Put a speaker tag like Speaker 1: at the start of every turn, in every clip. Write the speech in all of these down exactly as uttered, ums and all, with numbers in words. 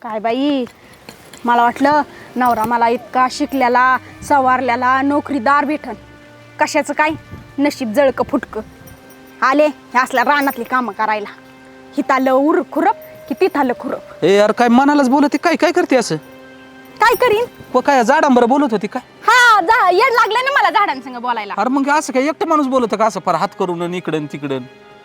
Speaker 1: काय बाई, मला वाटलं नवरा मला इतका शिकलेला सवारलेला नोकरीदार भेटन, कशाचं काय नशीब जळकं फुटकं. आले हे असल्या रानातली कामं करायला, हितालं उर खुरप की तिथालं खुरप.
Speaker 2: ए यार काय मनालाच बोलते, काय काय करते असं?
Speaker 1: काय करीन?
Speaker 2: व काय झाडांबर बोलत होती काय?
Speaker 1: हा जा येड लागलं ना मला झाडांसंग बोलायला.
Speaker 2: अरे मग असं काय एकटं माणूस बोलत का असं फार हात करून इकडं तिकडं?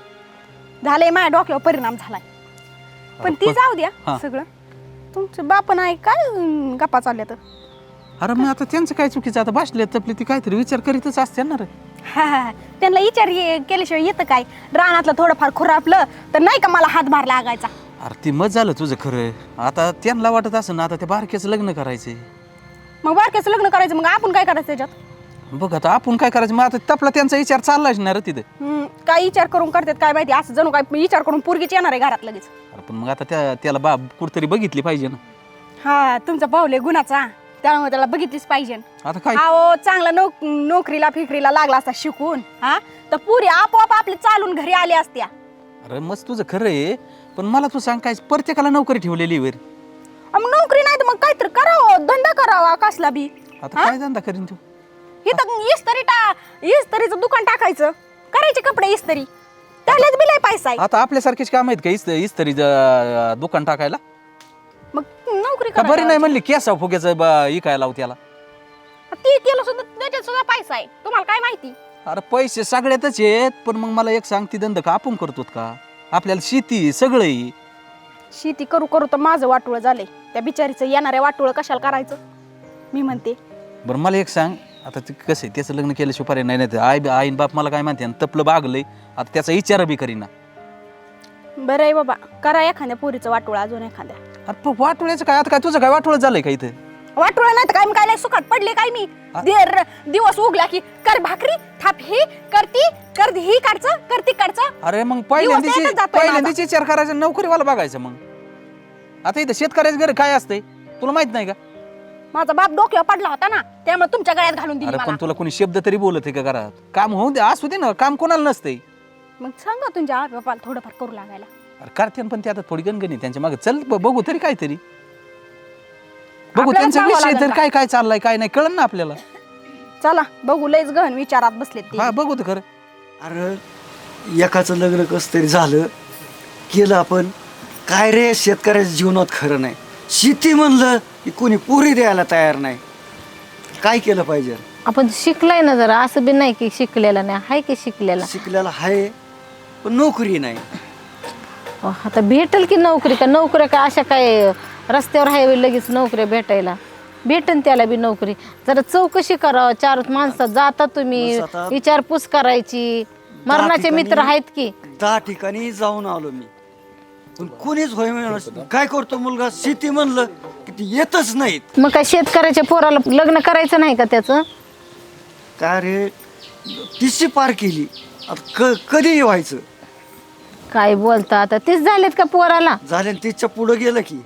Speaker 1: झालंय माझ्या डोक्यावर परिणाम झालाय. पण ती जाऊ द्या सगळं. तुमचं बाप नाही काय अं, गप्पा चालल्या तर?
Speaker 2: अरे मग आता त्यांचं काय चुकीचं, आता बसले तपले ती काहीतरी विचार करीतच असते ना रे.
Speaker 1: हा हा त्यांना विचार ये- केल्याशिवाय येतं काय? रानातलं थोडंफार खुरापलं तर नाही का मला हातभार लागायचा.
Speaker 2: अरे ती मत झालं तुझं खरं. आता त्यांना वाटत असं ना आता त्या बारक्याचं लग्न करायचंय.
Speaker 1: मग बारक्याचं लग्न करायचं, मग आपण काय करायचं त्याच्यात?
Speaker 2: बघ आता आपण काय करायचं, मग आता तपला त्यांचा विचार चाललाच ना रे तिथे.
Speaker 1: हम्म, काय विचार करून करतात काय माहिती, असं जणू काय विचार करून पोरगीच येणार आहे घरात लगेच.
Speaker 2: अरे पण मग आता त्या त्याला बाब कुठतरी बघितली पाहिजे ना.
Speaker 1: हा तुमचा पाऊले गुणाचा, त्यामुळे त्याला बघितलीच पाहिजे.
Speaker 2: आता काय
Speaker 1: हो चांगला नोक नोकरीला फिकरीला लागला असता शिकून, हा तर पुरी आपोआप आपले चालून घरी आले असत्या.
Speaker 2: अरे मस्त तुझं खरं आहे, पण मला तू सांग काय प्रत्येकाला नोकरी ठेवलेली वर.
Speaker 1: मग नोकरी नाही तर मग काहीतरी करावं, धंदा करावा कसला बी.
Speaker 2: आता काय धंदा करीन तू?
Speaker 1: इथं इस्त्री टा इस्त्रीचं दुकान टाकायचं, करायचे कपडे इस्त्री, त्यालाच बी लय पैसा आहे.
Speaker 2: आता आपल्यासारखेच काम आहेत का इस्त इस्तरी ज- दुकान टाकायला?
Speaker 1: मग नोकरी
Speaker 2: का बरी
Speaker 1: करायला
Speaker 2: नाही म्हणली केसा फुग्याचं इकायला लावू त्याला?
Speaker 1: ती केलं सुद्धा त्याच्यात सुद्धा पैसा आहे, तुम्हाला काय माहिती?
Speaker 2: अरे पैसे सगळ्यातच आहेत, पण मग मला एक सांग ती धंदा का आपण करतो का? आपल्याला शेती सगळं आहे.
Speaker 1: शेती करू करू तर माझं वाटोळं झालंय, त्या बिचारीचं येणाऱ्या वाटोळं कशाला करायचं मी म्हणते.
Speaker 2: बरं मला एक सांग, आता ते कसं आहे त्याचं लग्न केल्याशिवाय पर्याय नाही, नाही आई आईन बाप मला काय म्हणते तपलं बागलंय, आता त्याचा विचार बी करीना.
Speaker 1: बरं आहे बाबा, करा एखाद्या पोरीचं वाटोळं अजून एखाद्या.
Speaker 2: अरे पण वाटोळ्याचं काय, आता काय तुझं काय वाटोळं झालंय का इथं?
Speaker 1: वाटोळं नाही तर काय, मी काय लय सुखात पडले काय मी? देर दिवस उगला की कर भाकरी थाप ही करती कर ही काढचं करती काढचं.
Speaker 2: अरे मग पहिल्यांदाची
Speaker 1: एकच जातोय
Speaker 2: पहिल्यांदाची विचार करायचा, नोकरीवाला बघायचं. मग आता इथं शेतकऱ्याचं घर काय असतंय तुला माहित नाही का?
Speaker 1: माझा बाप डोक्यावर पडला होता ना, त्यामुळे तुमच्या गळ्यात घालून दिली
Speaker 2: अरे
Speaker 1: मला.
Speaker 2: पण तुला कोणी शब्द तरी बोलत आहे का घरात? काम होऊ दे, असू दे ना, काम कोणाला नसतंय.
Speaker 1: मग सांगा तुमच्या आई बापाला थोडंफार करू लागायला.
Speaker 2: अरे करते पण ते आता थोडी गणगणी त्यांच्या मागे चल ब- बघू तरी काहीतरी बघू
Speaker 1: आपल्याला
Speaker 2: त्यांचा
Speaker 1: सांगावं
Speaker 2: विषय
Speaker 1: लागेल
Speaker 2: तरी
Speaker 1: का?
Speaker 2: काय काय चाललाय काय नाही कळलं ना आपल्याला.
Speaker 1: चला बघू, लयच गहन विचारात बसलेत ते.
Speaker 2: हा बघू तर खरं.
Speaker 3: अरे एकाचं लग्न कसं तरी झालं केलं आपण, काय रे शेतकऱ्याच्या जीवनात खरं नाही. शेती म्हणलं की कोणी पुरी द्यायला तयार नाही. काय केलं पाहिजे?
Speaker 4: आपण शिकलाय ना जरा, असं बी नाही की शिकलेला नाही, हाय की शिकलेला.
Speaker 3: शिकलेला आहे पण नोकरी नाही.
Speaker 4: अहो, आता भेटेल की नोकरी, का नोकऱ्या काय अशा काय रस्त्यावर आहे लगेच नोकऱ्या भेटायला? भेटेन त्याला बी नोकरी. जरा चौकशी करावं, चार माणसात जाता तुम्ही,
Speaker 3: बस आता-
Speaker 4: विचारपूस करायची. मरणाचे
Speaker 3: ठिकाणी-
Speaker 4: मित्र आहेत की.
Speaker 3: दहा ठिकाणी जाऊन आलो मी, पण कोणीच होय म्हणलं. काय करतो मुलगा? शेती म्हणलं की ती येतच नाहीत.
Speaker 4: मग काय शेतकऱ्याच्या पोराला लग्न करायचं नाही का त्याचं?
Speaker 3: काय रे तिशी पार केली, आता क कधी व्हायचं?
Speaker 4: काय बोलता आता, तेच झालेत का पोराला?
Speaker 3: झाले तिच्या पुढं गेलं की.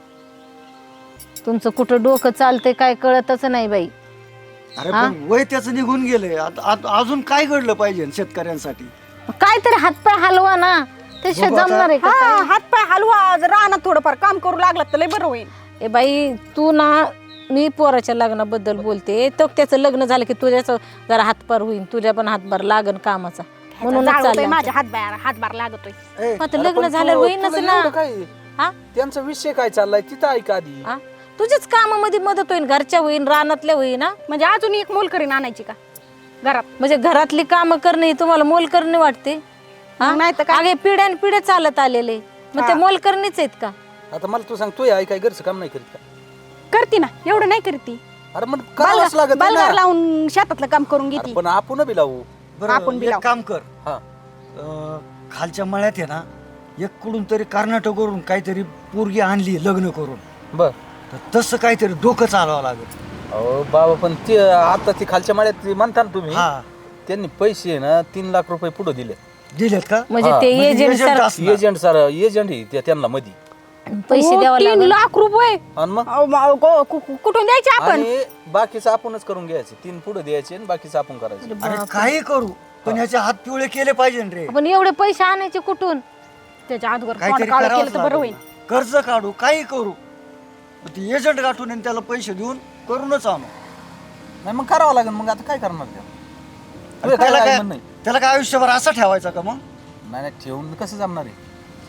Speaker 4: तुमचं कुठं डोकं चालतंय काय कळतच नाही बाई.
Speaker 3: अरे पण वय त्याचं निघून गेलंय. आता आता अजून काय घडलं पाहिजे शेतकऱ्यांसाठी?
Speaker 4: काहीतरी हातपाय हलवा ना, त्याशिवाय
Speaker 3: बघू आता.
Speaker 4: जमणार आहे का
Speaker 1: हा
Speaker 4: काय?
Speaker 1: हात पाय हलवा, जर रानात थोडंफार काम करू लागलं तर लय बरं होईल.
Speaker 4: ए बाई तू ना, मी पोराच्या लग्नाबद्दल बोलते, तो त्याचं लग्न झालं की तुझ्याच जरा हातभार होईल, तुझ्या पण हातभार लागन कामाचा, म्हणूनच
Speaker 1: जाळवतोय
Speaker 4: चाललंय
Speaker 1: माझ्या हातभार हातभार लागतोय.
Speaker 2: ए,
Speaker 4: मग आता
Speaker 2: अरे
Speaker 4: लग्न
Speaker 2: पण
Speaker 4: झालं
Speaker 2: तू-
Speaker 4: होईनच
Speaker 2: तुला
Speaker 4: ना.
Speaker 2: एवढं काय
Speaker 4: हा?
Speaker 2: त्यांचा विषय काय चाललाय तिथं ऐका आधी.
Speaker 4: हा? तुझ्याच कामामध्ये मदत होईल, घरच्या होईन, रानातल्या होईन. हा?
Speaker 1: म्हणजे अजून एक मोलकरीण आणायची का घरात?
Speaker 4: म्हणजे घरातली कामं करणे ही तुम्हाला मोल करणे वाटते? हा?
Speaker 1: मग नाही तर काय?
Speaker 4: अगे पिढ्यान पिढ्या चालत आलेले, मग ते मोल करणेच आहेत का?
Speaker 2: आता मला तू सांग, तू आई काय घरचं काम नाही करीत का?
Speaker 1: करती ना, एवढं नाही करती.
Speaker 2: अरे मग करावंच लागत आहे
Speaker 1: बलगार
Speaker 2: ना.
Speaker 1: लावून शेतातलं काम करून
Speaker 2: अरे
Speaker 1: घेती.
Speaker 2: पण आपण बी लावू.
Speaker 3: बरं
Speaker 1: आपण बी
Speaker 3: एक
Speaker 1: लावू.
Speaker 3: काम कर,
Speaker 2: हा
Speaker 3: अं, खालच्या मळ्यात आहे ना, एक कुठून तरी कर्नाटकवरून काहीतरी पोरगी आणली लग्न करून,
Speaker 2: बर.
Speaker 3: तर तसं काहीतरी डोकं चालवावं लागेल.
Speaker 2: अहो बाबा पण ते आता ती खालच्या माळ्यात ती म्हणता ना तुम्ही,
Speaker 3: हा
Speaker 2: त्यांनी पैसे ना तीन लाख रुपये पुढे दिले.
Speaker 3: दिलेत का?
Speaker 4: म्हणजे
Speaker 2: हा,
Speaker 4: ते
Speaker 3: म्हणजे
Speaker 4: एजंट
Speaker 3: agent
Speaker 4: सर
Speaker 3: असणार.
Speaker 2: एजंट सर एजंट आहे ते त्यांना मध्ये.
Speaker 4: पैसे
Speaker 1: हो,
Speaker 4: द्यावं
Speaker 1: तीन
Speaker 4: लागेल.
Speaker 1: लाख रुपये
Speaker 2: आणि मग
Speaker 1: अहो, मा- गो- कु- कु- कुठून द्यायचे आपण?
Speaker 2: आणि बाकीचं आपणच करून घ्यायचं. तीन पुढे द्यायचे आणि बाकीचं आपण करायचं.
Speaker 3: अरे काही करू पण ह्याचे हात पिवळे केले पाहिजे ना रे.
Speaker 4: आपण एवढे पैसे आणायचे कुठून?
Speaker 1: त्याच्या आजवर तोंड
Speaker 3: काहीतरी
Speaker 1: काळं
Speaker 3: करावंच
Speaker 1: केलं तर बरं होईल.
Speaker 3: लागेल. कर्ज काढू, काही करू. ती एजंट गाठून आणि त्याला पैसे देऊन करूनच आणू.
Speaker 2: नाही मग करावं लागेल. मग आता काय करणार ते?
Speaker 3: आणि त्याला
Speaker 2: काय
Speaker 3: काय
Speaker 2: म्हणणं आहे?
Speaker 3: त्याला काय आयुष्यभर असं ठेवायचं का मग?
Speaker 2: नाही नाही, ठेवून कसं जमणार आहे?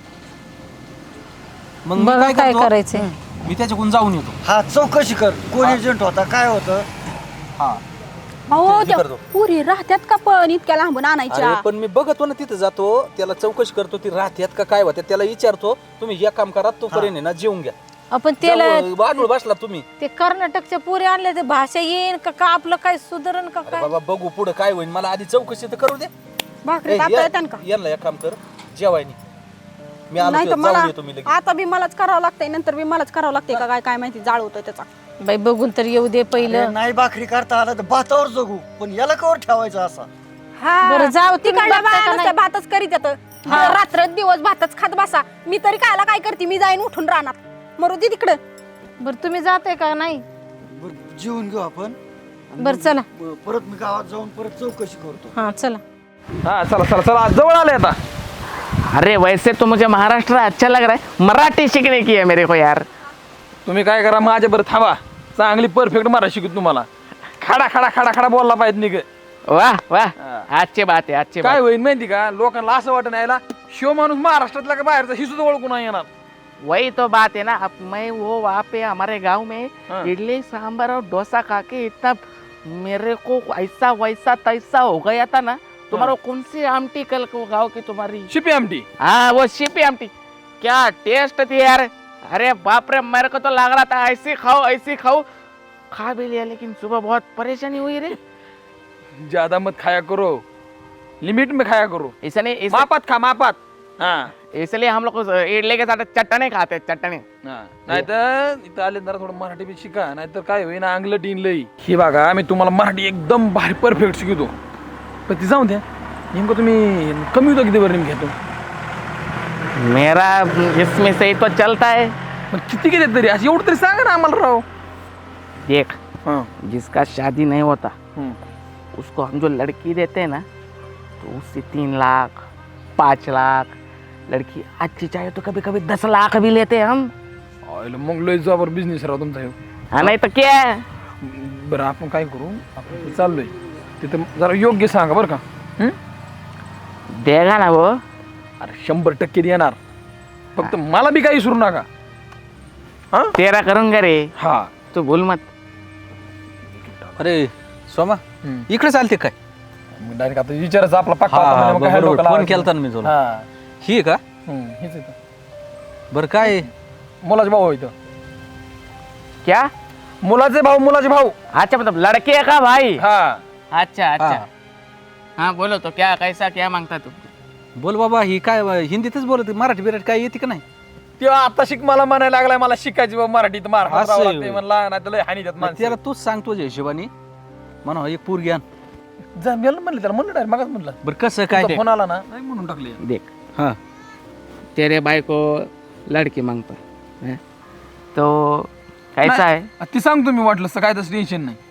Speaker 2: मग मी
Speaker 4: बघा काय
Speaker 2: करतो?
Speaker 4: करायचंय.
Speaker 2: मी त्याच्याकडून जाऊन येतो.
Speaker 3: हा चौकशी कर, कोण एजंट होता, काय होतं.
Speaker 2: हा
Speaker 1: अहो
Speaker 2: ते
Speaker 1: त्या
Speaker 2: करतो.
Speaker 1: पुरी राहत्यात का पण इतक्या लांबून आणायच्या?
Speaker 2: अरे पण मी बघतो ना तिथं जातो, त्याला चौकशी करतो ती राहत्यात का काय होत्या, त्याला विचारतो. तुम्ही एक काम करा, तोपर्यंत आहे ना जेवून घ्या.
Speaker 4: आपण त्याला
Speaker 2: जाऊ, वाढून बसला तुम्ही.
Speaker 4: ते कर्नाटकच्या पुरी आणले ते भाषा येईन का का आपलं काय सुधारण का
Speaker 2: अरे
Speaker 4: काय?
Speaker 2: बाबा बघू पुढे काय होईल. मला आधी चौकशी तर करू दे.
Speaker 1: भाकरी
Speaker 2: ए,
Speaker 1: तापता
Speaker 2: या-
Speaker 1: येतात का?
Speaker 2: यांना एक काम कर, जेवायनी मी आलो
Speaker 1: नाही तर
Speaker 2: की
Speaker 1: मला
Speaker 2: जाऊन येतो मी लगेच.
Speaker 1: आता बी मलाच करावं लागतंय, नंतर बी मलाच करावं लागतंय का काय काय माहिती, जाळ होतोय त्याचा.
Speaker 4: बाई बघून तर येऊ दे
Speaker 3: अरे
Speaker 4: पहिलं.
Speaker 3: नाही भाकरी करता आला तर भातावर जगू, पण याला कवर ठेवायचा असा.
Speaker 4: बरं जाऊ तुम्ही
Speaker 1: तिकडल्या
Speaker 4: बघता
Speaker 1: बाया
Speaker 4: का
Speaker 1: नुसत्या
Speaker 4: नाही?
Speaker 1: भातच करीत येतं. रात्र दिवस भातच खात बसा. मी तरी कायला काय करते, मी जाईन उठून राहणार मरू दे तिकडं.
Speaker 4: बरं तुम्ही जाते का नाही?
Speaker 3: बरं, जेवून घेऊ आपण. आणि
Speaker 4: बरं चला.
Speaker 3: ब- परत मी गावात जाऊन परत चौकशी करतो.
Speaker 4: हा चला.
Speaker 5: हाँ चलो चलो चलो आज जवळ आले आता.
Speaker 6: अरे वैसे तो मुझे महाराष्ट्र अच्छा लग रहा है, मराठी सीखने की है मेरे को यार.
Speaker 5: तुम्ही काय करा माझ्या बरं थांबा, चांगली परफेक्ट मराठी शिकू तुम्हाला. खडा खडा खडा खडा बोलला पाहिजे निघ.
Speaker 6: वाह वाह अच्छी बात है अच्छी
Speaker 5: काय
Speaker 6: बात.
Speaker 5: होईल माहिती का, लोकांना असं वाटत नाही शिव माणूस महाराष्ट्रातला का बाहेरचा ही सुद्धा ओळखून नाही येणार.
Speaker 6: वही तो बात है ना. अब मैं वो वहाँ पे हमारे गांव में
Speaker 5: हाँ।
Speaker 6: इडली सांभर और डोसा खा के इतना मेरे को ऐसा वैसा तैसा हो गया था ना. तुम्हारा कौन सी आमटी कल को गाँव की तुम्हारी?
Speaker 5: शिपी आमटी.
Speaker 6: हाँ वो शिपी आमटी क्या टेस्ट थी यार. अरे बाप रे मेरे को तो लग रहा था ऐसी खाओ ऐसी खाओ. खा भी लिया लेकिन सुबह बहुत परेशानी हुई रे.
Speaker 5: ज्यादा मत खाया करो, लिमिट में खाया करो.
Speaker 6: इसने इस,
Speaker 5: मापात खा मापात. हाँ
Speaker 6: इसलिए हम लोग इडली के साथ चटने खाते हैं, चटने.
Speaker 5: नाहीतर इथं आले जरा थोडं मराठी बी शिका, नाहीतर काय होईना अंगलट लई. ही बघा मी तुम्हाला मराठी एकदम भारी परफेक्ट शिकवतो. पण ती जाऊ द्या, नेमकं तुम्ही कमी होतं किती बरं नेमकं घेतो.
Speaker 6: मेरा इसमें से ही तो चलता है.
Speaker 5: पण किती घेते तरी असं एवढं तरी सांगा ना आम्हाला राव.
Speaker 6: देख
Speaker 5: हाँ
Speaker 6: जिसका शादी नहीं होता
Speaker 5: हम्म.
Speaker 6: उसको हम जो लड़की देते हैं ना, तो उससे तीन लाख पाँच लाख, लड़की अच्छी चाहिए तो कभी कभी दस लाख भी लेते हैं हम.
Speaker 5: आयला मग लय जबर बिझनेस राव तुमचा ह्यो.
Speaker 6: हाँ नहीं तो क्या है.
Speaker 5: बरं आपण काय करू, आपण इथं चाललोय तिथं जरा योग्य सांगा बरं का. हम्म?
Speaker 6: देगा ना वो.
Speaker 5: अरे शंभर टक्के देणार, फक्त मला बी काही विसरू नका. हा
Speaker 6: तेरा करूंगा रे,
Speaker 5: हा.
Speaker 6: तू भूल मत.
Speaker 2: अरे सोमा
Speaker 5: हम्म.
Speaker 2: इकडे चालते काय?
Speaker 5: मग डायरेक्ट आता विचारायचं आपला पक्का
Speaker 2: हा,
Speaker 5: होता
Speaker 2: हा,
Speaker 5: म्हणजे मग काय
Speaker 2: बरोबर.
Speaker 5: डोकं
Speaker 2: फोन
Speaker 5: लावायचं.
Speaker 2: केलता ना मी तुला.
Speaker 5: हा.
Speaker 2: ही आहे का?
Speaker 5: हम्म, हेच आहे ते.
Speaker 2: बरं काय आहे?
Speaker 5: मुलाचे भाऊ इथं.
Speaker 6: क्या?
Speaker 5: मुलाचे भाऊ मुलाचे भाऊ.
Speaker 6: अच्छा मतलब लड़के का भाई.
Speaker 5: हा
Speaker 6: अच्छा अच्छा.
Speaker 2: हा.
Speaker 6: हाँ बोलो तो क्या कैसा क्या मांगता तू.
Speaker 2: बोल बाबा, ही काय हिंदीतच बोलत, मराठी बिराठी काय येते का नाही?
Speaker 5: तेव्हा आता शिक मला म्हणायला लागलाय मला शिकायची बा मराठीत महाराष्ट्रात
Speaker 2: असं
Speaker 5: राहावं
Speaker 2: आहे
Speaker 5: लागतंय
Speaker 2: होय.
Speaker 5: म्हणला, नाही तर लय हानी देत
Speaker 2: मग
Speaker 5: माणसं.
Speaker 2: त्याला तूच सांग तुझ्या हिशोबाने म्हणा एक पूर घ्या.
Speaker 5: जमेल म्हणलं त्याला म्हणलं डायरेक्ट मगच म्हणलं.
Speaker 2: बरं कसं काय ते?
Speaker 5: फोन आला ना नाही म्हणून टाकले.
Speaker 6: देख
Speaker 2: हा
Speaker 6: तेरे भाई को लड़की मांगता है तो कैसा है.
Speaker 5: ती सांगतो मी वाटलं असतं, काय तसं टेन्शन नाही.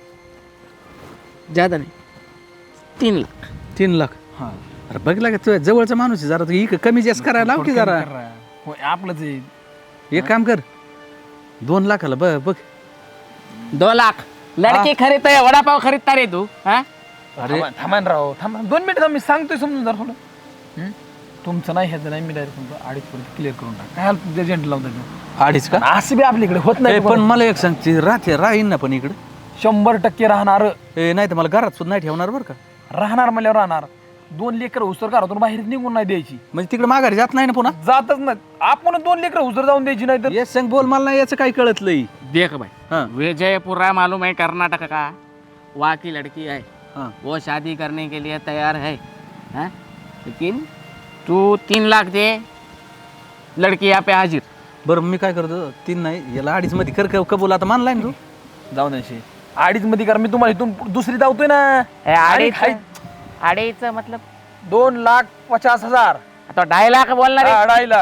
Speaker 6: ज्यादा नहीं तीन लाख.
Speaker 2: तीन लाख
Speaker 5: हा
Speaker 2: अरे बघला का तुझ्या जवळचा माणूस आहे, जरा तू इकडं कमी जास्त करायला लाव की जरा.
Speaker 5: होय, आपलंच आहे.
Speaker 2: एक काम कर, दोन लाखाला बघ बघ.
Speaker 6: दो लाख लड़की खरीदता है, वड़ा पाव खरीदता रे तू. हाँ
Speaker 2: अरे
Speaker 5: थांबा थांबा ना राव, थांबा दोन मिनिट मी सांगतोय समजून जरा थोडं. हम्म? तुमचं नाही ह्याचं नाही, मी डायरेक्ट तुमचं अडीच पर्यंत क्लिअर करून टाक. काय हाल एजंट लावता
Speaker 2: अडीच का?
Speaker 5: असं बी आपल्याकडे होत
Speaker 2: ए,
Speaker 5: नाही.
Speaker 2: पण मला एक सांग, ती राहते राहीन ना पण इकडे?
Speaker 5: शंभर टक्के राहणार.
Speaker 2: ए नाही तर मला घरात सुद्धा नाही ठेवणार बरं का.
Speaker 5: राहणार म्हणल्यावर राहणार. दोन लेकर हुसर घरातून बाहेर निघून नाही द्यायची.
Speaker 2: म्हणजे तिकडे माघारी जात नाही ना पुन्हा?
Speaker 5: जातच नाही आपण, दोन लेकर हुसर जाऊन द्यायची नाही तर.
Speaker 2: ये सांग बोल, मला नाही याचं काही कळत लई.
Speaker 6: देख भाई
Speaker 2: हाँ
Speaker 6: विजयपुरा मालूम है कर्नाटक का, वहाँ की लड़की है,
Speaker 2: हाँ
Speaker 6: वो शादी करने के लिए तैयार है. हाँ? लेकिन तू तीन लाख दे, लड़की यहाँ पे हाजिर.
Speaker 2: बरं मी काय करतो, तीन नाही याला अडीच मध्ये कर का- कबूल आता मानलाय ना तू?
Speaker 5: जाऊ द्यायची अडीच मध्ये कारण मी तुम्हाला इथून दुसरी धावतोय ना.
Speaker 6: ए,
Speaker 5: अडीच
Speaker 6: अडीच अडीच मतलब
Speaker 5: दोन लाख पचास हजार.
Speaker 6: तो ढाई लाख बोलना रे.
Speaker 5: हा, अढाई लाख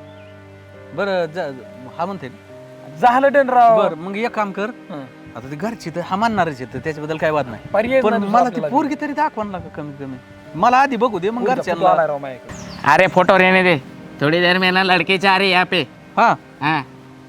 Speaker 2: बरं जा- हा म्हणते ना.
Speaker 5: झालं टेन राव.
Speaker 2: बरं मग एक काम कर,
Speaker 5: हं.
Speaker 2: आता ती घरची तर हा मानणारच आहे, त्याच्याबद्दल काय वाद नाही.
Speaker 5: पर्याय
Speaker 2: पण
Speaker 5: नाही दुसरा
Speaker 2: मला ती
Speaker 5: आपल्याला.
Speaker 2: पोरगी तरी दाखवा ना कमीत कमी. मला आधी बघू दे मग
Speaker 5: पुढचा पुतळा आलाय
Speaker 2: घरच्यांना.
Speaker 5: राव माझ्याकडे.
Speaker 6: अरे फोटो रहने दे, थोड़ी देर में ना लड़के चाह रहे यहाँ पे.
Speaker 2: हा
Speaker 6: हाँ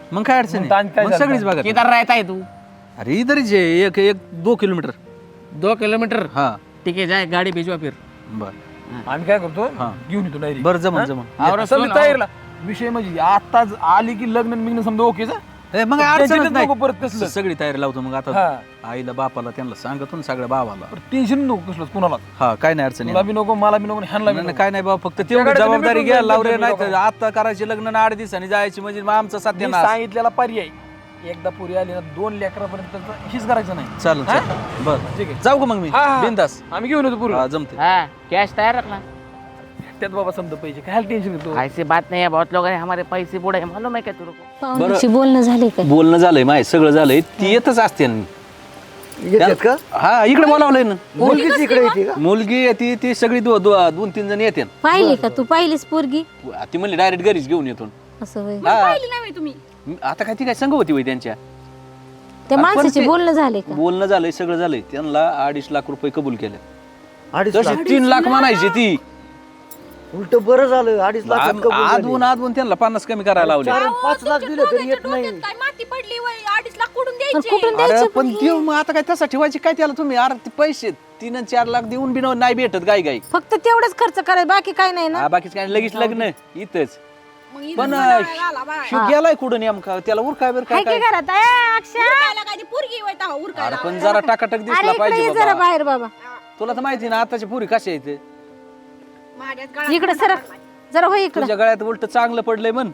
Speaker 2: मग काय अडचण
Speaker 5: मग ताण
Speaker 2: आहे?
Speaker 5: काय
Speaker 2: मग
Speaker 5: झालं?
Speaker 2: सगळीच बघा
Speaker 6: किधर रहता है तू?
Speaker 2: अरे इधर ही आहे, एक एक दो किलोमीटर
Speaker 6: दो किलोमीटर
Speaker 2: हा
Speaker 6: ठीक है, जाए गाड़ी भिजवा फिर.
Speaker 2: बर
Speaker 5: आम्ही काय करतो
Speaker 2: हा.
Speaker 5: घेऊन येतो डायरी
Speaker 2: बरं जमन जमन
Speaker 6: और
Speaker 5: समजा
Speaker 6: सुन,
Speaker 5: तयारीला विषय म्हणजे आताच आली की लग्न बिग्न समजा ओकेच
Speaker 2: ए, मग
Speaker 5: टेन्शनच
Speaker 2: अडचणच
Speaker 5: नको परत
Speaker 2: नाही
Speaker 5: कसलं.
Speaker 2: सगळी तयारी लावतो मग आता
Speaker 5: हा
Speaker 2: आईला बापाला त्यांना सांगतो ना सगळ्या भावाला
Speaker 5: टेन्शन नको कसलं कुणाला
Speaker 2: हा काय नाही अडचण
Speaker 5: तुला
Speaker 2: येत.
Speaker 5: बी नको मला बी नको ह्यांना बी
Speaker 2: नाही, नाही,
Speaker 5: नको.
Speaker 2: काय नाही बाबा फक्त तेवढी
Speaker 5: त्याकडे तुम्ही
Speaker 2: जबाबदारी
Speaker 5: भेटून
Speaker 2: घ्या
Speaker 5: जाईल
Speaker 2: लावरे
Speaker 5: तुम्ही
Speaker 2: नाही तर
Speaker 5: लोकांना.
Speaker 2: आता करायचे लग्न आणि आठ दिवसांनी जायची म्हणजे मग आमचं
Speaker 5: मी
Speaker 2: सत्यानाश
Speaker 5: सांगितलेला पर्याय एकदा पुरी आली ना दोन लेकरापर्यंत हिच करायचं नाही
Speaker 2: चालेल
Speaker 5: हा?
Speaker 2: चालेल बर
Speaker 5: ठीक आहे.
Speaker 2: जाऊ का मग मी
Speaker 5: हा, हा.
Speaker 2: बिंदास
Speaker 5: आम्ही घेऊन येतो पुरी
Speaker 2: हा जमते
Speaker 6: हाँ कैश तैयार रखना.
Speaker 5: त्यात बाबा समजा पैसे काय टेन्शन घेतो
Speaker 6: ऐसी बात नहीं है, बहुत लोग हैं हमारे पैसे बुढ़े हैं, मालूम है क्या तेरे को?
Speaker 4: पाहुण्याची बोलणं झाले काय?
Speaker 2: बोलणं झालंय माय सगळं झालंय ती येतच असते
Speaker 3: येतात का
Speaker 2: हा इकडे बोलावलंय ना
Speaker 3: मुलगीच इकडे येते का
Speaker 2: मुलगी येते ती सगळी दो- दो- दोन तीन जण येते
Speaker 4: पाहिली का तू? पाहिलीस पोरगी?
Speaker 2: ती म्हणली डायरेक्ट घरीच घेऊन येतो
Speaker 4: असं होय.
Speaker 2: हा.
Speaker 1: पाहिली नाही तुम्ही.
Speaker 2: आता काय ती काय संग होती होय त्यांच्या
Speaker 4: त्या
Speaker 2: आपण
Speaker 4: माणसाचे
Speaker 2: ते-
Speaker 4: बोलणं झाले का?
Speaker 2: बोलणं झालंय सगळं झालंय त्यांना अडीच लाख रुपये कबूल केले
Speaker 3: अडीच
Speaker 2: तशी
Speaker 3: लाख
Speaker 2: तीन लाख म्हणायची ती
Speaker 3: उलट बरं झालं अडीच लाख
Speaker 2: आदवून आदवून त्यांना पन्नास कमी करायला लावले
Speaker 3: चार पाच लाख दिले तरी येत नाही
Speaker 1: काय माती पडली वय अडीच लाख कुठून
Speaker 4: पण
Speaker 1: द्यायचे?
Speaker 4: कुठून
Speaker 2: अरे
Speaker 4: द्यायचं
Speaker 2: पण देऊ मग आता काय तसा ठेवायची काय त्याला तुम्ही अरे ते पैसे तीन आणि चार लाख देऊन बी नाही भेटत गाय गाय
Speaker 4: फक्त तेवढंच खर्च करायचं, बाकी काय नाही ना.
Speaker 2: हा बाकीच काय लगेच लग्न इथंच
Speaker 1: मग इथं
Speaker 2: पण
Speaker 1: म्हणायला आला बाय.
Speaker 2: शिव गेलाय कुठं नेमका त्याला उरकाय बर काय
Speaker 4: हाय की
Speaker 2: काय
Speaker 4: घरात? ए, अक्षय!
Speaker 1: उरकायला काय ती पोरगी वय तेव्हा उरकायला.
Speaker 2: अरे पण जरा टाकाटक
Speaker 4: अरे
Speaker 2: दिसला
Speaker 4: इकडे
Speaker 2: पाहिजे
Speaker 4: ये जरा
Speaker 2: बाबा
Speaker 4: बाहेर बाबा.
Speaker 2: तुला तर माहिती ना आताची पुरी कशी आहे ते
Speaker 1: माझ्याच गळ्यात
Speaker 4: इकडे सर जरा होय इकडे.
Speaker 2: तुझ्या गळ्यात उलट चांगलं पडलंय म्हण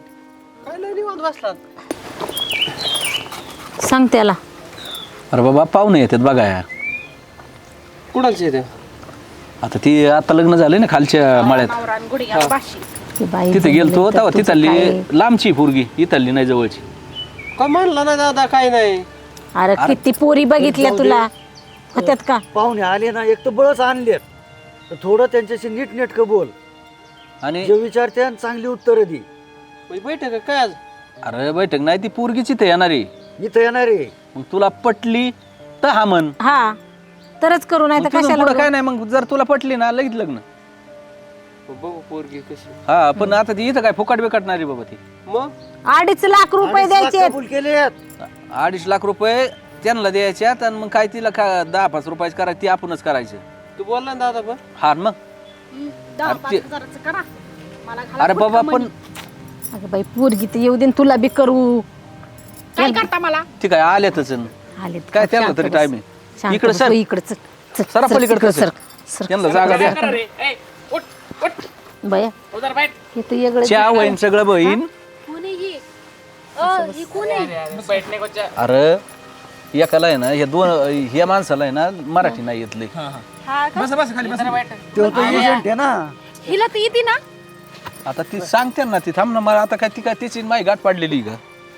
Speaker 4: सांग त्याला.
Speaker 2: अरे बाबा पाहुणे येतात बघा यार
Speaker 3: कुणाचे ते
Speaker 2: आता ती आता लग्न झालंय ना खालच्या मळ्यात
Speaker 1: नवरा आणि गुडघ्याला बाशी.
Speaker 4: ती बाई
Speaker 2: तिथे
Speaker 4: जमली
Speaker 2: गेलतो
Speaker 4: तर
Speaker 2: तेव्हा
Speaker 4: तुझं
Speaker 2: तिथली
Speaker 4: काय?
Speaker 2: लांबची पोरगी इथली नाही जवळची
Speaker 3: काय म्हणला ना दादा काय नाही
Speaker 4: अरे किती पोरी बघितल्या तुला होत्यात का?
Speaker 3: पाहुणे आले ना एक तर बळच आणलेत तर थोडं त्यांच्याशी नीट नेटकं बोल
Speaker 2: आणि
Speaker 3: जे विचारते आणि चांगली उत्तरं दे बैठक काय आज
Speaker 2: अरे बैठक नाही ती पोरगीच इथे येणार आहे
Speaker 3: इथं येणार आहे
Speaker 2: मग तुला पटली तर हा म्हण
Speaker 4: हा तरच करू नाही
Speaker 2: मग
Speaker 4: तर
Speaker 2: तिथून
Speaker 4: कशाला
Speaker 2: पुढं काय नाही मग जर तुला पटली ना लगेच लग्न
Speaker 3: पोरगी कशी
Speaker 2: हा पण आता ती इथं काय फुकाट बिकटणारी बाबा ती
Speaker 3: मग
Speaker 4: अडीच लाख रुपये द्यायचे.
Speaker 3: कबूल केलेत
Speaker 2: अडीच लाख रुपये त्यांना द्यायच्यात आणि मग काय तिला का दहा पाच रुपयाची करायची ती आपणच करायचं
Speaker 3: तू बोलला ना दादा पण
Speaker 2: हा मग
Speaker 1: हम्म, दहा
Speaker 2: अरे
Speaker 1: पाच
Speaker 2: ते-
Speaker 1: हजाराचं करा. मला घाला
Speaker 2: अरे
Speaker 1: फुटका
Speaker 2: बाबा पण
Speaker 1: मणी.
Speaker 4: अगं बाई पोरगी तर येऊ दे न तुला बी करू.
Speaker 1: काय करता मला?
Speaker 2: ती काय आल्यातच न.
Speaker 4: आलेत
Speaker 2: काय
Speaker 4: का?
Speaker 2: त्यांना
Speaker 4: शांत
Speaker 2: तरी
Speaker 4: बस.
Speaker 2: time आहे.
Speaker 4: शांत
Speaker 2: इकडं
Speaker 4: बस,
Speaker 2: सर.
Speaker 4: हो, इकडं चल. चल,
Speaker 2: सरा
Speaker 4: चल,
Speaker 2: पलीकडं
Speaker 4: इकडं
Speaker 2: सर.
Speaker 4: Sir, sir.
Speaker 2: त्यांना जागा द्या
Speaker 6: अरे ए, उठ उठ
Speaker 4: बाया
Speaker 6: उधर बैठ.
Speaker 4: हे तर वेगळं
Speaker 2: चहा होईन सगळं बहीण
Speaker 1: कोण आहे ही? अ, ही कोण आहे?
Speaker 6: बैठने को चा-
Speaker 2: अरे एकाला आहे ना ह्या दोन ह्या माणसाला आहे ना मराठी नाही येतली
Speaker 1: हा का?
Speaker 5: बस बस खाली बस
Speaker 3: तो तो एजंट आहे ना
Speaker 1: हिला तर येते ना?
Speaker 2: आता ती सांगते ना ती थांब ना मला आता काय ती काय तिची माही गाठ पाडलेली का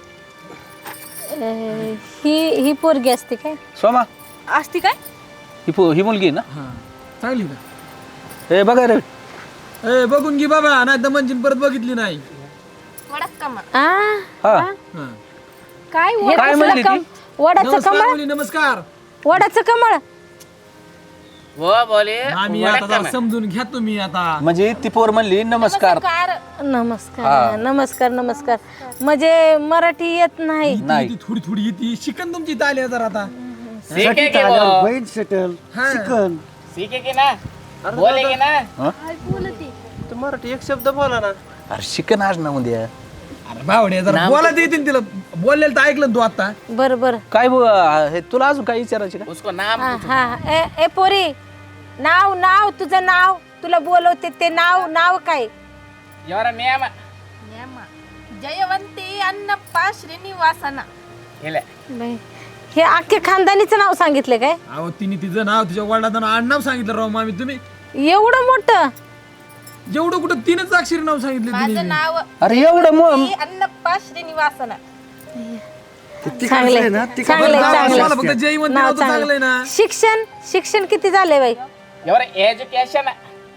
Speaker 4: अं, ही ही पोरगी असते काय?
Speaker 2: सोमा
Speaker 1: असती काय?
Speaker 2: ही पो- ही मुलगी आहे ना
Speaker 5: हा चांगली का
Speaker 2: हे बघा रे
Speaker 5: ए बघून घे बाबा नाही तर म्हणजे परत बघितली नाही
Speaker 1: वडात कमा.
Speaker 4: आ
Speaker 2: हा
Speaker 5: हा.
Speaker 1: काय
Speaker 4: हे
Speaker 2: काय
Speaker 4: कसलं
Speaker 2: म्हणली ती?
Speaker 4: कम- वडाचं
Speaker 5: नमस्कार
Speaker 4: कमळ
Speaker 5: मुली, नमस्कार
Speaker 4: वडाचं कमळ
Speaker 6: वो बोले
Speaker 5: आम्ही
Speaker 6: वडा
Speaker 5: आता जरा
Speaker 6: कमा.
Speaker 5: समजून घ्या तुम्ही आता
Speaker 2: म्हणजे ती पोर म्हणली नमस्कार
Speaker 4: नमस्कार नमस्कार नमस्कार म्हणजे मराठी येत नाही.
Speaker 2: नाही.
Speaker 5: ती थोडी थोडी येते शिकन तुमची इथं आली जरा आता
Speaker 6: सीखे के
Speaker 3: आल्यावर
Speaker 6: वो
Speaker 3: बहीण सेटल चिकन
Speaker 6: सीखे के ना बोलेगे ना.
Speaker 2: हं?
Speaker 3: मराठी एक शब्द बोला ना
Speaker 2: अरे शिकन आज ना उद्या
Speaker 5: अरे बावडे जरा बोला देते तिला बोललेलं तर ऐकलं ना तू आता
Speaker 4: बरं बरं
Speaker 2: काय बो- हे तुला अजून काय विचारायचे का
Speaker 6: उसको नाम
Speaker 4: हा हा ए ए पोरी नाव नाव तुझं नाव तुला बोलवते ते नाव नाव काय?
Speaker 6: योर नेम
Speaker 1: जयवंती अण्णप्पा श्रीनिवासना.
Speaker 6: हेले
Speaker 4: बाई, हे अख्खे खानदानीचं नाव सांगितलं काय?
Speaker 5: अहो तिने तिचं नाव तिच्या वडिलाचं नाव आडनाव सांगितलं राव मामी तुम्ही
Speaker 4: एवढं मोठं
Speaker 5: जेवढं कुठं तीनच अक्षरी नाव सांगितलं तिने
Speaker 1: नाव
Speaker 2: अरे एवढं मग
Speaker 1: अण्णप्पा श्रीनिवासना.
Speaker 4: चांगलंय
Speaker 3: ना
Speaker 4: चांगलंय
Speaker 5: मला
Speaker 4: चांगलंय
Speaker 5: फक्त जय म्हणते
Speaker 4: नाव
Speaker 5: नाव तर चांगलंय ना
Speaker 4: चांगलं. शिक्षण शिक्षण किती झालंय बाई?
Speaker 6: योर एजुकेशन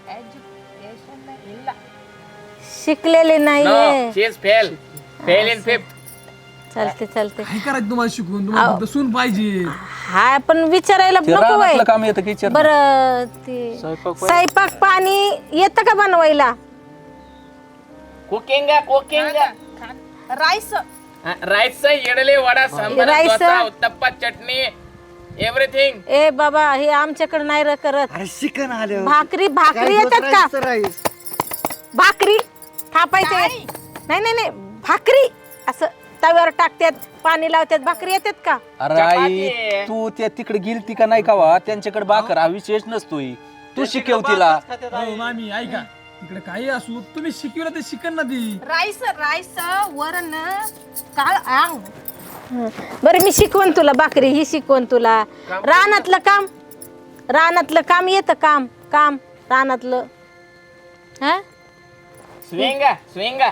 Speaker 4: शिकलेले
Speaker 6: नो
Speaker 4: नाहीये.
Speaker 6: She is fail fail in fifth.
Speaker 4: चालते चालते
Speaker 5: काय करायचं तुम्हाला शिकून तुम्हाला फक्त सून पाहिजे
Speaker 4: हा पण विचारायला
Speaker 2: ते
Speaker 4: नको
Speaker 2: रानातलं
Speaker 4: बाई.
Speaker 2: काम येतं की विचार
Speaker 4: बर ते स्वयंपाक पाणी येतं का बनवायला?
Speaker 6: Cooking cooking
Speaker 1: rice
Speaker 6: rice idli vada sambar
Speaker 4: rice?
Speaker 6: Dosa uttappa chutney everything.
Speaker 4: ए बाबा हे आमच्याकडे नाही र करत.
Speaker 3: अरे चिकन आलं
Speaker 4: भाकरी भाकरी येतात का? भाकरी थापायचे नाही नाही नाही भाकरी असं तव्यावर टाकतात पाणी लावतात भाकरी येतात का?
Speaker 2: अरे आई तू त्या तिकडे गेलती का नाही का वा त्यांच्याकडे बाकर हा विशेष नसतोय तू शिकव तिला.
Speaker 5: हो मामी ऐका इकडे काही असू तुम्ही शिकवलं ते शिकन ना ती.
Speaker 1: राईस राईस वरण काळ आंग.
Speaker 4: बरं मी शिकवण तुला भाकरी ही शिकवण तुला. रानातलं काम रानातलं काम येतं काम काम रानातलं हा
Speaker 6: ಸ್ವಿಂಗ ಸ್ವಿಂಗ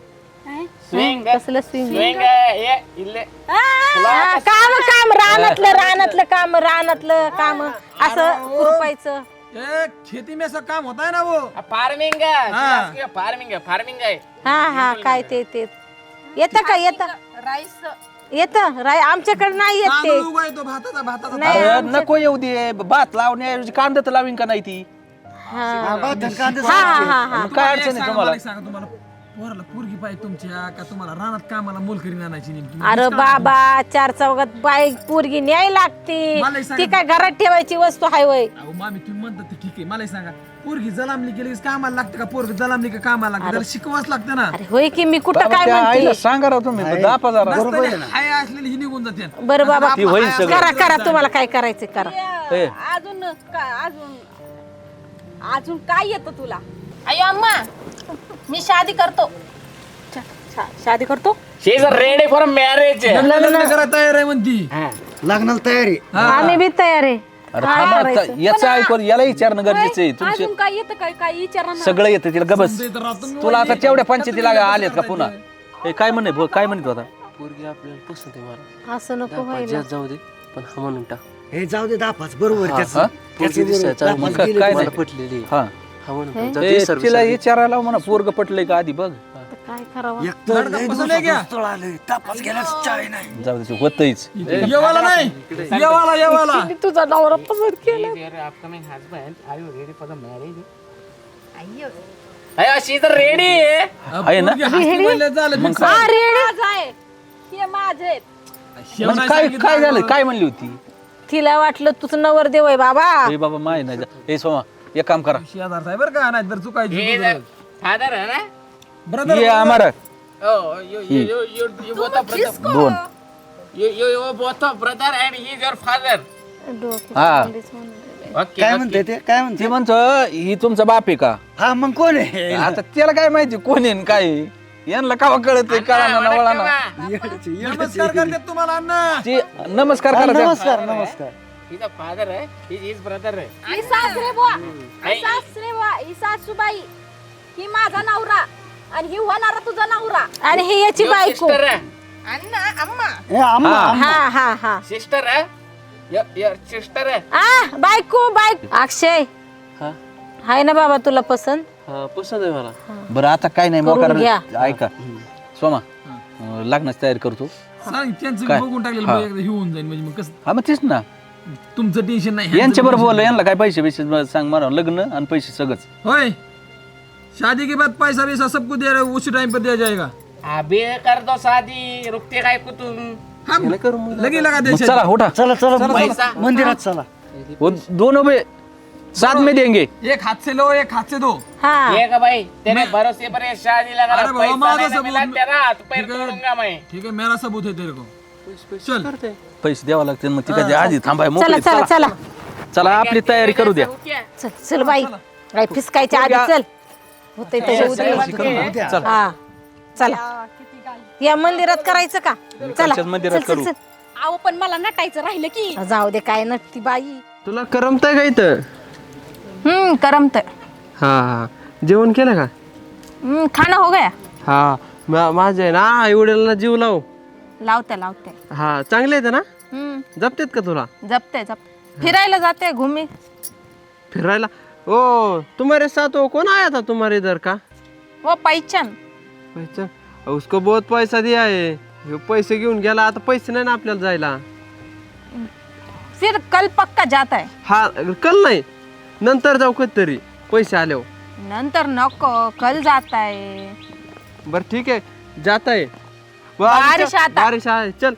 Speaker 6: ಸ್ವಿಂಗ
Speaker 4: कसलं swing?
Speaker 6: ಸ್ವಿಂಗ ಏ ಇಲ್ಲೇ
Speaker 4: हा, काम काम रानातलं रानातलं काम रानातलं काम असं रुपायचं.
Speaker 5: ए खेती में सब काम होता है ना वो.
Speaker 6: ಫಾರ್ಮಿಂಗ್ ಫಾರ್ಮಿಂಗ್ ಫಾರ್ಮಿಂग आहे.
Speaker 4: हा हा काय ते ते येतं का येतं
Speaker 1: राईस
Speaker 4: येतं राय आमच्याकडे नाही येत ते.
Speaker 5: तांदूळ उगायतो भाताचा भाताचा.
Speaker 4: नाही
Speaker 2: अरे
Speaker 4: आमच्या-
Speaker 2: नको येऊ दे भात लावण्याऐवजी कांदा तर लावीन का नाही ती.
Speaker 4: हा
Speaker 3: भात आणि कांदा
Speaker 4: हा हा हा हा
Speaker 2: मग काय अडचण आहे तुम्हाला?
Speaker 5: मला एक सांगा तुम्हाला पोराला पोरगी पाहिजे तुमच्या का तुम्हाला रानात कामाला मोलकरी आणायची नेमकी.
Speaker 4: अरे बाबा चार चौघात बाईक पोरगी न्याय लागते
Speaker 5: मला एक सांगा.
Speaker 4: ती काय घरात ठेवायची वस्तू हाय वय.
Speaker 5: अहो मामी तुम्ही म्हणता ते ठीक आहे मला एक सांगा पोरगी जलामली गेली की कामाला लागते का पोरगी जलामली का कामाला लागते त्याला शिकवाच लागतं ना.
Speaker 4: अरे होय की मी कुठं
Speaker 2: बाबा,
Speaker 4: काय
Speaker 2: त्या आईला
Speaker 4: म्हणते.
Speaker 2: सांगा राव तुम्ही दापा जरा.
Speaker 5: बरोबर हाय असलेली ही निघून जाते.
Speaker 4: बरं बाबा
Speaker 2: ती होईल सगळं.
Speaker 4: करा करा तुम्हाला काय करायचं करा.
Speaker 2: ए,
Speaker 1: अजून का- अजून अजून काय येतं तुला?
Speaker 4: अयो अम्मा मी शादी करतो.
Speaker 1: शा- शादी करतो.
Speaker 6: She is ready for marriage.
Speaker 5: लग्न करा तयार आहे म्हणती.
Speaker 3: लग्नाला तयारी
Speaker 4: आम्ही बी तयार आहे.
Speaker 2: अरे थांबा आता, याचं ऐकून याला विचारणं गरजेचं आहे तुमचे
Speaker 1: अजून काय येतं काय काय विचारा ना.
Speaker 2: सगळं येतं तिला गबस.
Speaker 5: समजा इथं राहतो मी
Speaker 2: तुला आता
Speaker 5: वहिनी.
Speaker 2: तेवढ्या पंचायतीला आलेत का पुन्हा? ए, काय म्हणे भाऊ, काय म्हणतो आता?
Speaker 7: पोरगी आपल्याला पसंत आहे मला.
Speaker 4: असं नको
Speaker 7: दहा
Speaker 4: व्हायला.
Speaker 7: पाच जाऊ दे पण हा म्हणून टाक.
Speaker 3: हे जाऊ दे दापाच बरोबर
Speaker 7: हा,
Speaker 3: त्याचं
Speaker 2: हा?
Speaker 3: त्याचं
Speaker 7: पोरगी दिसायला
Speaker 3: बरोबर.
Speaker 7: चांगली.
Speaker 3: दापाच
Speaker 2: मग
Speaker 3: गेले
Speaker 2: काय
Speaker 3: तर
Speaker 7: मला
Speaker 2: नाही.
Speaker 7: पटलेली आहे.
Speaker 2: हा
Speaker 7: हा म्हणून टाक. जाऊ
Speaker 2: ए,
Speaker 7: दे सर्विस
Speaker 2: तिला
Speaker 7: आली.
Speaker 2: विचारायला म्हणा पोरग पटलंय का आधी बघ.
Speaker 4: आता काय करावं.
Speaker 3: एक तर
Speaker 5: लडका
Speaker 3: लय
Speaker 5: पसंत आहे क्या?
Speaker 3: दिवसाचं स्थळ आलंय तापास गेल्याच चाय नाही.
Speaker 2: जाऊ दे होतच.
Speaker 5: येवाला नाही येवाला येवाला.
Speaker 4: तुझा नवरा पसंत केला.
Speaker 6: Your upcoming husband, are you ready for the marriage? अयो शी इज रेडी.
Speaker 2: आहे ना?
Speaker 5: पोरगी हसती म्हणलं झालं
Speaker 2: मग
Speaker 5: fix.
Speaker 2: काय?
Speaker 4: हा रेडी
Speaker 1: माझं आहे हे माझे आहेत.
Speaker 5: शेव
Speaker 2: म्हणजे
Speaker 5: नाही
Speaker 2: काय
Speaker 5: सांगितलं
Speaker 2: काय झालं
Speaker 5: अगं.
Speaker 2: काय म्हणली होती?
Speaker 4: तिला वाटलं तुझं नवर देव आहे बाबा.
Speaker 2: ए बाबा माय नाही जा- ए सोमा एक काम करा
Speaker 5: शेजार साहेब बरं का नाही तर चुकायची
Speaker 6: फादर है ना?
Speaker 5: ब्रदर
Speaker 2: ये आम्हाला
Speaker 6: Oh, you you you you you both are brother.
Speaker 2: दोन
Speaker 6: You you you both are brother and he is your father.
Speaker 2: हा
Speaker 6: Okay.
Speaker 3: काय
Speaker 6: okay.
Speaker 3: म्हणते ते काय म्हणते
Speaker 2: ते म्हणतो ही तुमचा बाप आहे का?
Speaker 3: हा मग कोण आहे
Speaker 2: आता त्याला काय माहिती कोण आहे न काय आहे? यांना कावा कळत कळा ना वळा ना.
Speaker 3: येडचे, येडचे.
Speaker 5: नमस्कार करतात तुम्हाला अण्णा.
Speaker 2: ती नमस्कार
Speaker 3: हा,
Speaker 2: करा त्या.
Speaker 3: नमस्कार नमस्कार
Speaker 6: He's a father है. He is brother है.
Speaker 1: ही सासरे बुवा
Speaker 6: आई.
Speaker 1: ही सासरे बुवा ही सासूबाई ही माझा नवरा आणि ही होणारा तुझा नवरा.
Speaker 4: आणि ही याची
Speaker 6: Your
Speaker 4: बायको.
Speaker 6: sister है.
Speaker 1: अण्णा अम्मा
Speaker 3: हे आम्हा
Speaker 2: हा.
Speaker 3: आम्हा.
Speaker 4: हा हा हा
Speaker 6: Sister है. Your your sister है.
Speaker 4: आ बायको बायको. अक्षय
Speaker 7: हा
Speaker 4: हाय ना बाबा तुला पसंत.
Speaker 7: हा पसंत आहे मला.
Speaker 2: बरं आता काय नाही
Speaker 4: करून
Speaker 2: मोकार
Speaker 4: घ्या.
Speaker 2: ऐका सोमा अं, लग्नाची तयारी करतो.
Speaker 5: सांग त्यांचं
Speaker 2: काय?
Speaker 5: बघून टाकलेलं
Speaker 2: हा.
Speaker 5: बघ, एकदा हे होऊन जाईल म्हणजे मग कसं
Speaker 2: हा मग तेच ना
Speaker 5: तुमचं टेन्शन नाही
Speaker 2: यांच्या बरोबर बोल यांना काय पैसे पैसे सांग मला लग्न आणि पैसे सगळंच.
Speaker 5: होय शादी के बाद पैसा वैसा सब कुछ दे रहे हो, उसी टाइम पर दिया जाएगा.
Speaker 6: अभी कर दो शादी. रुकते काय को तुम?
Speaker 5: हम
Speaker 7: याला करू मग.
Speaker 5: लगे लगा
Speaker 2: मग
Speaker 5: दे
Speaker 2: चला उठा
Speaker 3: चला चला
Speaker 6: पैसा.
Speaker 3: मंदिरात चला
Speaker 2: वो दोनों पे साथ में देंगे.
Speaker 5: एक हाथ से लो एक हाथ से दो.
Speaker 4: हा
Speaker 6: ये का भाई तेरे भरोसे पर ये शादी लगा
Speaker 5: अरे
Speaker 6: रहा.
Speaker 5: बाबा,
Speaker 6: पैसा
Speaker 5: माँ
Speaker 6: नहीं
Speaker 5: तो
Speaker 6: ना
Speaker 5: सब
Speaker 6: मिला
Speaker 5: उन-
Speaker 6: तेरा हाथ पैर
Speaker 5: ठीक है.
Speaker 6: तोड़ूंगा मैं.
Speaker 5: ठीक है मेरा सबूत है तेरे को. चल
Speaker 7: करते
Speaker 2: पैसे द्यावा लागतील मग तिकडे आधी थांबाय
Speaker 4: चला
Speaker 2: मोकळे
Speaker 4: चला चला
Speaker 2: चला आपली तयारी करू द्या.
Speaker 4: चल चल बाई काय फिसकायच्या आधी चल होते
Speaker 3: उद्या.
Speaker 2: चल
Speaker 4: हा चला या मंदिरात करायचं का? चला
Speaker 2: इकडच्याच मंदिरात
Speaker 4: चल, चल,
Speaker 2: करू.
Speaker 4: चल.
Speaker 1: अहो पण मला नटायचं राहिलं की.
Speaker 4: जाऊ दे काय नटती बाई.
Speaker 7: तुला करमतंय का इथं?
Speaker 1: हम्म करमत
Speaker 7: हा हा जेवण केलं का?
Speaker 1: खाना हो गया.
Speaker 7: हा मा- माझ्या आहे ना आई वडिलांना जीव लाव.
Speaker 1: लावते लावते.
Speaker 7: हा चांगले आहेत ना?
Speaker 1: हम्म
Speaker 7: जपतेत का तुला
Speaker 1: जपते जपते फिरायला जाते घुमी.
Speaker 7: फिरायला? ओ तुम्हारे साथ वो कौन आया था तुम्हारे इधर का?
Speaker 1: वो पैचन
Speaker 7: पैसा उसको बहुत पैसा दिया है. ह्यो पैसे घेऊन गेला आता पैसे नाही ना आपल्याला जायला.
Speaker 1: फिर कल पक्का जात आहे.
Speaker 7: हा कल नाही नंतर जाऊ कधीतरी पैसे आल्यावर.
Speaker 1: नंतर नको कल जात आहे.
Speaker 7: बरं ठीक आहे जात आहे.
Speaker 1: बारिश आता.
Speaker 7: बारिश आहे चल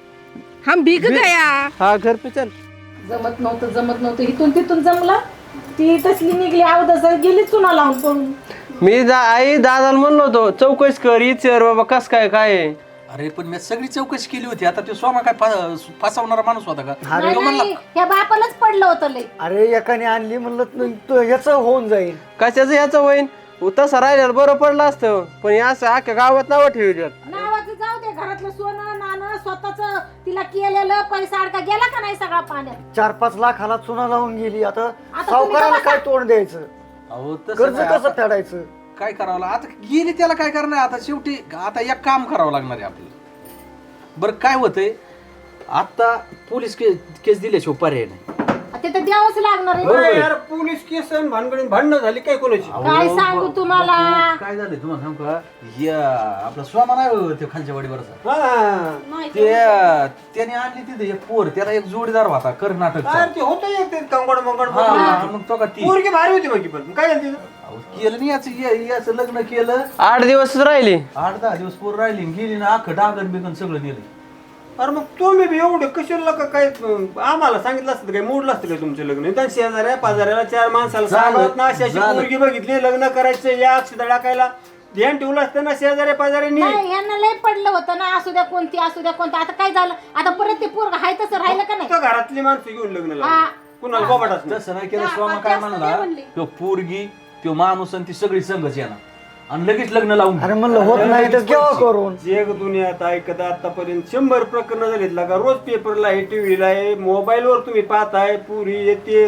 Speaker 1: हम भीग गया.
Speaker 7: हा घर पे चल.
Speaker 4: जमत नव्हतं जमत नव्हतं इथून तिथून जमला ती तसली निघली अवदस गेली चुना लावून पळून.
Speaker 7: मी जा आई दादाला म्हणलो होतो चौकशी कर इचर बाबा कस काय काय आहे.
Speaker 2: अरे पण मी सगळी चौकशी केली होती. आता तो स्वामा काय फा- फसवणारा माणूस होता का?
Speaker 4: नाही, नाही, या बापालाच पडलं होतं लय.
Speaker 3: अरे एकाने आणली म्हणलं याच होऊन जाईल.
Speaker 7: कशाचं याचं होईन तसं राहिलेलं बरं पडलं असतं पण हे असं अख्ख्या गावात नावं ठेवलं.
Speaker 4: नावाचं जाऊ दे घरातलं सोनं नाणं स्वतःच तिला केलेलं पैसा अडका गेला का नाही सगळा पाण्यात.
Speaker 3: चार पाच लाखाला चुना लावून गेली. आता
Speaker 4: तुम्ही
Speaker 3: सावकाराला
Speaker 4: बघा.
Speaker 3: काय तोंड द्यायचं,
Speaker 2: अहो तसं
Speaker 3: कर्ज
Speaker 2: नाही.
Speaker 3: कसं
Speaker 2: आता
Speaker 3: फेडायचं.
Speaker 2: काय करावं लागलं? आता गेली त्याला काय करणार? आता शेवटी आता एक काम करावं लागणार आहे आपल्याला. बरं काय होतंय आता पोलीस केस केस दिल्याशिवाय पर्याय नाही.
Speaker 4: ते तर द्यावंच लागणार आहे.
Speaker 2: बरोबर आहे.
Speaker 8: यार पोलीस केस आणि भानगडी भांडणं झाली काय कोणाची.
Speaker 4: काय सांगू तुम्हाला
Speaker 2: काय झालंय तुम्हाला सांगू का? या आपला स्वामा नाही होय ते खालच्या वाडीवरचा,
Speaker 8: हा
Speaker 2: ते त्याने आणली तिथे एक पोर, त्याला एक जोडीदार होता कर्नाटकचा.
Speaker 8: काय ते होतं एक ते कंगड मंगड
Speaker 2: हा, हा, मग तो का ती
Speaker 8: पोरगी भारी होती बाकी पण काय झालं तिचं?
Speaker 2: अहो, केलं नाही याचं या- याचं लग्न केलं.
Speaker 7: आठ दिवस राहिली
Speaker 2: आठ दहा दिवस पोर राहिली गेली ना अख्खं डागन बिगन सगळं नेलं.
Speaker 8: अरे मग तुम्ही बी एवढे कशाला का काय आम्हाला सांगितलं असतं काय मोडलं असतं काय तुमचं लग्न. त्या शेजाऱ्या पाजाऱ्याला चार माणसाला
Speaker 2: झालं,
Speaker 8: सांगत ना अशी अशी
Speaker 2: झालं.
Speaker 8: पोरगी बघितली लग्न करायचं या अक्षता टाकायला ध्यान ठेवलं असतं ना शेजाऱ्या पाजाऱ्यांनी.
Speaker 4: नाही यांना लय पडलं होतं ना असू द्या कोणती असू द्या कोणती. आता काय झालं आता परत ते पोरग हाय तसं राहिलं का नाही.
Speaker 8: फक्त घरातली माणसं घेऊन लग्न
Speaker 4: हा.
Speaker 8: लावलं कुणाला बाबाटाच नाही.
Speaker 2: तसं नाही केलं.
Speaker 4: हा,
Speaker 2: स्वामा
Speaker 4: हा,
Speaker 2: काय
Speaker 4: जास्त
Speaker 2: म्हणला
Speaker 4: नाही म्हणली.
Speaker 2: तो पोरगी तो माणूस आणि ती सगळी संघच येणार आणि लगेच लग्न लावून
Speaker 3: अरे म्हणलं होत नाही तर केव्हा करून.
Speaker 8: जग दुनियात ऐकत आतापर्यंत शंभर प्रकरण झालीत का रोज पेपरला आहे टीव्हीला आहे मोबाईलवर तुम्ही पाहताय पुरी येते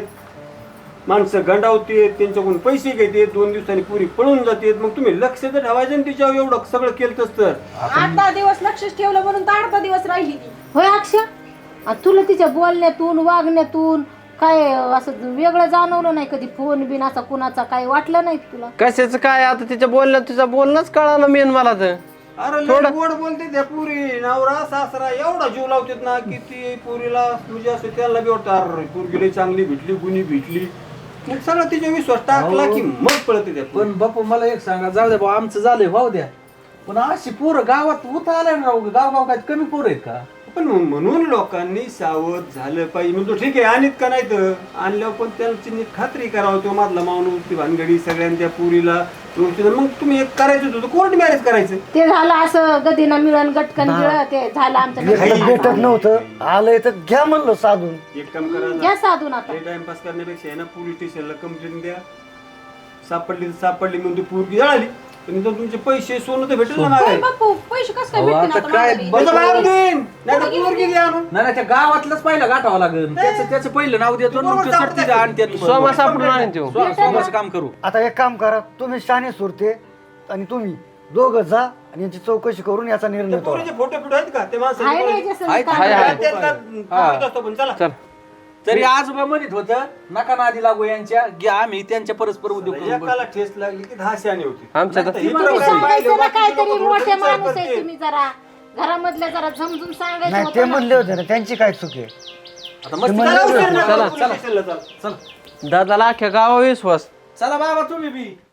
Speaker 8: माणसं गंडावते त्यांच्याकडून पैसे घेते दोन दिवसांनी पुरी पळून जाते. मग तुम्ही लक्ष तर ठेवायचं ना तिच्यावर एवढं सगळं केलं तर.
Speaker 1: आठ दहा दिवस लक्षच ठेवलं म्हणून तर आठ दहा दिवस राहिली ती.
Speaker 4: होय अक्षय आ, तुला तिच्या बोलण्यातून वागण्यातून काय असं वेगळं जाणवलं नाही कधी फोन बिन असा कुणाचा काय वाटलं नाही तुला.
Speaker 7: कशाचं काय आता तिच्या बोलण्यात तुझं बोलणंच कळालं मेन मला तर.
Speaker 8: अरे लय गोड बोलते त्या पुरी नवरा सासरा एवढा जीव लावतात ना की ती पुरीला म्हणजे असं त्याला बी वाटतं अरे पुरगी लय चांगली भेटली गुणी भेटली मग सगळं तिच्या विश्वास टाकला की मग पळते त्या
Speaker 2: पण बापू मला एक सांगा, जाऊ द्या भाऊ आमचं झालंय भाऊ द्या, पण अशी पोरं गावात उता आल्या ना राव, गाव गाव काय कमी पोरं आहेत का?
Speaker 8: पण म्हणून लोकांनी सावध झालं पाहिजे. म्हणतो ठीक आहे आणीत का नाही तर आणल्यावर पण त्यांची नीट खात्री करावं तो मधला माणूस ती भानगडी सगळ्यांच्या पुरीला व्यवस्थित. मग तुम्ही एक करायचं होतं कोर्ट मॅरेज करायचं.
Speaker 4: ते झालं असं गदीनं मिळून गटकन गिळ ते झालं आमचं
Speaker 3: भेटत भेटत नव्हतं आलंय तर घ्या म्हणलं साधून.
Speaker 8: एक काम करा
Speaker 4: घ्या साधून आता.
Speaker 8: टाइमपास करण्यापेक्षा आहे ना पोलीस स्टेशनला कंप्लेंट द्या. सापडली तर सापडली म्हणून ती पोरगी जळाली पण इथं तुमचे पैसे सोनं तर भेटेल ना
Speaker 1: होय
Speaker 8: मागे.
Speaker 1: बापू पैसे कसं काय
Speaker 2: अहो,
Speaker 1: भेटतील
Speaker 2: आता
Speaker 1: आता
Speaker 2: काय
Speaker 1: माघारी?
Speaker 2: बरं-
Speaker 8: त्याचा बाप देईन नाही तर पोरगी द्या आणून.
Speaker 2: नाही नाही, त्या गावातलंच पहिलं गाठावं लागेल. त्याचं त्याचं पहिलं नाव देतो आणि मग ते सरतीचं आणते तू.
Speaker 7: सोमा सापडून आणीन त्यो.
Speaker 2: स्वा- स्वामाचं काम करू.
Speaker 3: आता एक काम करा तुम्ही शाणे सुरते आणि तुम्ही दोघं जा आणि यांची चौकशी करून याचा निर्णय
Speaker 8: त्या
Speaker 3: करा.
Speaker 8: पोरीचे फोटो फिटो आहेत का ते
Speaker 4: हाय नाही
Speaker 8: माणसाचे
Speaker 4: जसं
Speaker 2: आहेत,
Speaker 4: काय.
Speaker 7: हाय, हाय.
Speaker 8: त्यात का पकडत असतो पण चला
Speaker 7: चल
Speaker 2: तरी आजोबा म्हणत होतं नका नादी लागू यांच्या, घ्या आम्ही त्यांच्या परस्पर उद्योग करू.
Speaker 8: एकाला ठेस लागली की दहा शाणे होती.
Speaker 7: आमच्या तर-
Speaker 8: नाही तर ही
Speaker 4: तुम्ही
Speaker 8: तर
Speaker 4: सांगायचं ना
Speaker 8: बाकीचे
Speaker 4: काहीतरी
Speaker 8: लोकं
Speaker 4: मोठे
Speaker 8: थोडं
Speaker 4: माणूस
Speaker 8: विचार
Speaker 4: आहे
Speaker 8: करतील.
Speaker 4: तुम्ही जरा घरामधल्या जरा झमझम सांगायचं
Speaker 3: नाही ते
Speaker 4: होतं ना.
Speaker 3: म्हणले होते ना त्यांची काय चूक आहे.
Speaker 2: आता मस्त
Speaker 8: चला, उशीर नका,
Speaker 7: चला,
Speaker 8: पोलीस स्टेशनला चला.
Speaker 2: चला
Speaker 7: दादाला अख्ख्या गावा विश्वास.
Speaker 2: चला बाबा तुम्ही बी